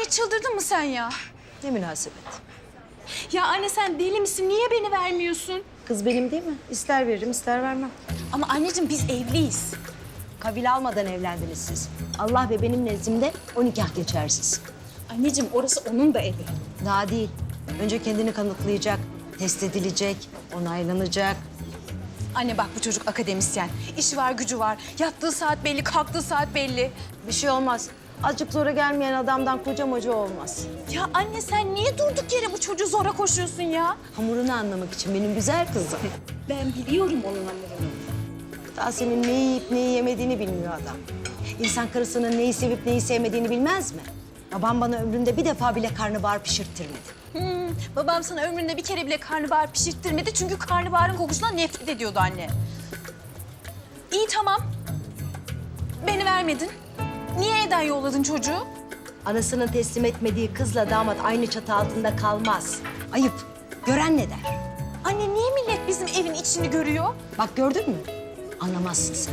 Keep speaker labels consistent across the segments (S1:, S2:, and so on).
S1: çıldırdın mı sen ya?
S2: Ne münasebet.
S1: Ya anne sen deli misin? Niye beni vermiyorsun?
S2: Kız benim değil mi? İster veririm, ister vermem.
S1: Ama anneciğim biz evliyiz.
S2: Kabile almadan evlendiniz siz. Allah ve benim nezdimde o nikah geçersiz.
S1: Anneciğim orası onun da evi.
S2: Daha değil. Önce kendini kanıtlayacak, test edilecek, onaylanacak.
S1: Anne bak bu çocuk akademisyen. İşi var, gücü var. Yattığı saat belli, kalktığı saat belli.
S2: Bir şey olmaz. Azıcık zora gelmeyen adamdan koca moca olmaz.
S1: Ya anne sen niye durduk yere bu çocuğu zora koşuyorsun ya?
S2: Hamurunu anlamak için benim güzel kızım.
S1: Ben biliyorum onun hamurunu.
S2: Daha senin neyi yiyip neyi yemediğini bilmiyor adam. İnsan karısının neyi sevip neyi sevmediğini bilmez mi? Babam bana ömründe bir defa bile karnabahar pişirttirmedi.
S1: Babam sana ömründe bir kere bile karnabahar pişirttirmedi çünkü karnabaharın kokusundan nefret ediyordu anne. İyi tamam. Beni vermedin. Niye evden yolladın çocuğu?
S2: Anasının teslim etmediği kızla damat aynı çatı altında kalmaz. Ayıp. Gören ne der?
S1: Anne niye millet bizim evin içini görüyor?
S2: Bak gördün mü? Anlamazsın sen.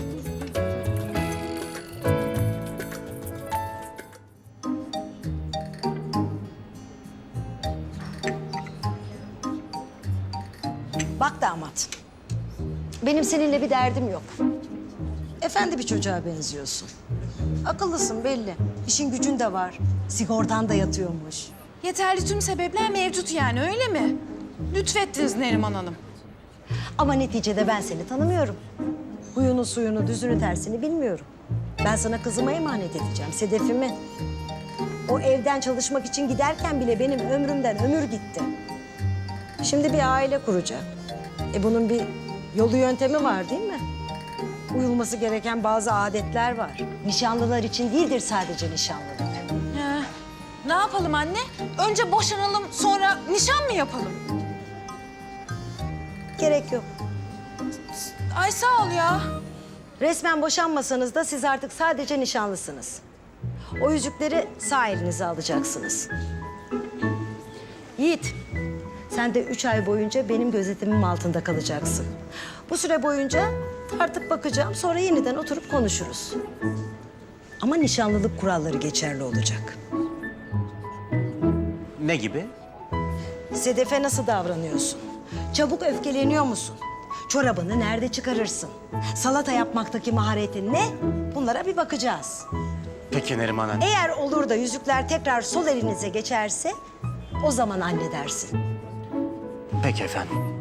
S2: Bak damat. Benim seninle bir derdim yok. Efendi bir çocuğa benziyorsun. Akıllısın belli. İşin gücün de var. Sigortan da yatıyormuş.
S1: Yeterli tüm sebepler mevcut yani öyle mi? Lütfettiniz Neriman Hanım.
S2: Ama neticede ben seni tanımıyorum. Huyunu, suyunu, düzünü, tersini bilmiyorum. Ben sana kızıma emanet edeceğim, Sedef'imi. O evden çalışmak için giderken bile benim ömrümden ömür gitti. Şimdi bir aile kuracak. Bunun bir yolu yöntemi var değil mi? Uyulması gereken bazı adetler var. Nişanlılar için değildir sadece nişanlılık.
S1: He. Ne yapalım anne? Önce boşanalım sonra nişan mı yapalım?
S2: Gerek yok.
S1: Ay sağ ol ya.
S2: Resmen boşanmasanız da siz artık sadece nişanlısınız. O yüzükleri sağ elinize alacaksınız. Yiğit, sen de 3 ay boyunca benim gözetimim altında kalacaksın. Bu süre boyunca artık bakacağım, sonra yeniden oturup konuşuruz. Ama nişanlılık kuralları geçerli olacak.
S3: Ne gibi?
S2: Sedef'e nasıl davranıyorsun? Çabuk öfkeleniyor musun? Çorabını nerede çıkarırsın? Salata yapmaktaki maharetin ne? Bunlara bir bakacağız.
S3: Peki Neriman Hanım.
S2: Eğer olur da yüzükler tekrar sol elinize geçerse o zaman anne dersin.
S3: Peki efendim.